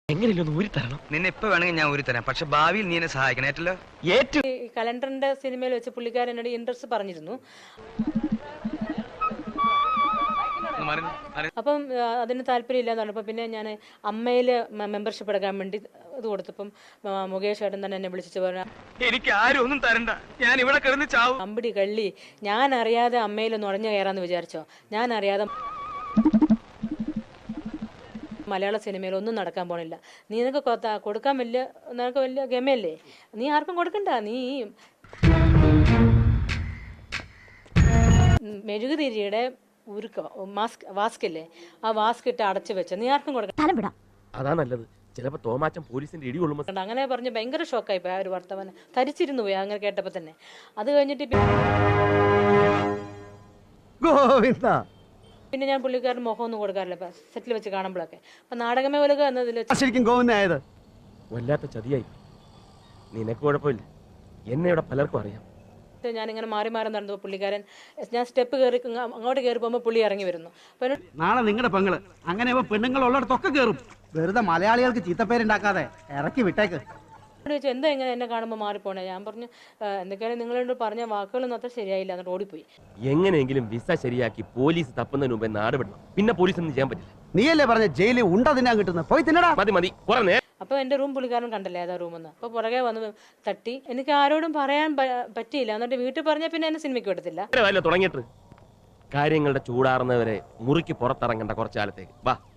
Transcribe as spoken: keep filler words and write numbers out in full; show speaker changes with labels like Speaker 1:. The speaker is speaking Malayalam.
Speaker 1: എങ്ങനെയല്ലോ ഊരി തരണം.
Speaker 2: നിന്നെ ഇപ്പൊ വേണമെങ്കിൽ ഞാൻ ഊരി തരാം, പക്ഷെ ഭാവിയിൽ നീ എന്നെ സഹായിക്കണം. ഏറ്റല്ലോ
Speaker 1: ഏറ്റു
Speaker 3: ഈ കലണ്ടറിന്റെ സിനിമയിൽ വെച്ച് പുള്ളിക്കാരൻ എന്നോട് ഇൻട്രസ്റ്റ് പറഞ്ഞിരുന്നു. അപ്പം അതിന് താല്പര്യം ഇല്ലാന്ന് പറഞ്ഞപ്പോൾ പിന്നെ ഞാൻ അമ്മയിൽ മെമ്പർഷിപ്പ് എടുക്കാൻ വേണ്ടി ഇത് കൊടുത്തപ്പം മുകേഷ് ഏട്ടൻ തന്നെ എന്നെ വിളിച്ചിട്ട് പറഞ്ഞു,
Speaker 2: എനിക്ക് ആരും ഒന്നും തരണ്ട, ഞാൻ ഇവിടെ കിടന്ന് ചാവും.
Speaker 3: അമ്പിടി കള്ളി, ഞാൻ അറിയാതെ അമ്മയിൽ നുഴഞ്ഞു കയറാന്ന് വിചാരിച്ചോ? ഞാൻ അറിയാതെ മലയാള സിനിമയിൽ ഒന്നും നടക്കാൻ പോണില്ല. നീ നിനക്ക് കൊടുക്കാൻ വലിയ നിനക്ക് വലിയ ഗമയല്ലേ, നീ ആർക്കും കൊടുക്കണ്ട. നീ മെഴുകുതിരിയുടെ ഉരുക്ക മാസ്ക് വാസ്കല്ലേ, ആ വാസ്ക് ഇട്ട് അടച്ചു വെച്ച, നീ ആർക്കും കൊടുക്കണ്ട.
Speaker 1: അതാ നല്ലത്. ചിലപ്പോ തോമാച്ചൻ പോലീസിന്റെ ഇടി കൊള്ളുമ്പോ
Speaker 3: അങ്ങനെ പറഞ്ഞ് ഭയങ്കര ഷോക്കായി പോയി. ആ ഒരു വർത്തമാനം തരിച്ചിരുന്നു പോയി അങ്ങനെ കേട്ടപ്പോ തന്നെ. അത് കഴിഞ്ഞിട്ട് പിന്നെ ഞാൻ പുള്ളിക്കാരൻ മുഖം ഒന്നും കൊടുക്കാറില്ല സെറ്റിൽ വെച്ച് കാണുമ്പോഴൊക്കെ. അപ്പൊ നാടകമേ ഒലുക എന്നതിൽ
Speaker 1: വല്ലാത്ത ചതിയായി. നിനക്ക് കുഴപ്പമില്ല, എന്നെ ഇവിടെ പലർക്കും അറിയാം.
Speaker 3: ഞാനിങ്ങനെ മാറി മാറി നടന്നു. പുള്ളിക്കാരൻ ഞാൻ സ്റ്റെപ്പ് കയറി അങ്ങോട്ട് കയറി പോകുമ്പോൾ പുള്ളി ഇറങ്ങി വരുന്നു.
Speaker 4: നാളെ നിങ്ങളുടെ പെങ്ങള് അങ്ങനെ പെണ്ണുങ്ങൾ ഉള്ളിടത്തൊക്കെ കയറും. വെറുതെ മലയാളികൾക്ക് ചീത്തപ്പേരുണ്ടാക്കാതെ ഇറക്കി വിട്ടേക്ക്.
Speaker 3: ചോദിച്ചു എന്താ ഇങ്ങനെ എന്നെ കാണുമ്പോൾ മാറിപ്പോണേ? ഞാൻ പറഞ്ഞു എന്തൊക്കെയാലും നിങ്ങളോട് പറഞ്ഞ വാക്കുകളൊന്നും അത്ര ശരിയായില്ല, എന്നിട്ട് ഓടിപ്പോയി.
Speaker 1: എങ്ങനെയെങ്കിലും വിസ ശരിയാക്കി പോലീസ് തപ്പുന്നതിന് മുമ്പേ നാട് വിടണം. പിന്നെ പോലീസ് ഒന്നും ചെയ്യാൻ പറ്റില്ല.
Speaker 4: നീയല്ലേ പറഞ്ഞ ജയിലിൽ ഉണ്ട തിന്നാൻ കിട്ടുന്നത്, പോയി തിന്നടാ.
Speaker 1: മതി മതി കുറേ.
Speaker 3: അപ്പോൾ എൻ്റെ റൂം പുള്ളിക്കാരൻ കണ്ടല്ലേ ഏതാ റൂമെന്ന്. അപ്പോൾ പുറകെ വന്ന് തട്ടി. എനിക്ക് ആരോടും പറയാൻ പറ്റിയില്ല. എന്നിട്ട് വീട്ടിൽ പറഞ്ഞാൽ പിന്നെ എന്നെ സിനിമയ്ക്ക് വിടത്തില്ല.
Speaker 1: തുടങ്ങിയിട്ട് കാര്യങ്ങളുടെ ചൂടാറുന്നവരെ മുറിക്ക് പുറത്തിറങ്ങേണ്ട കുറച്ചു കാലത്തേക്ക് വാ.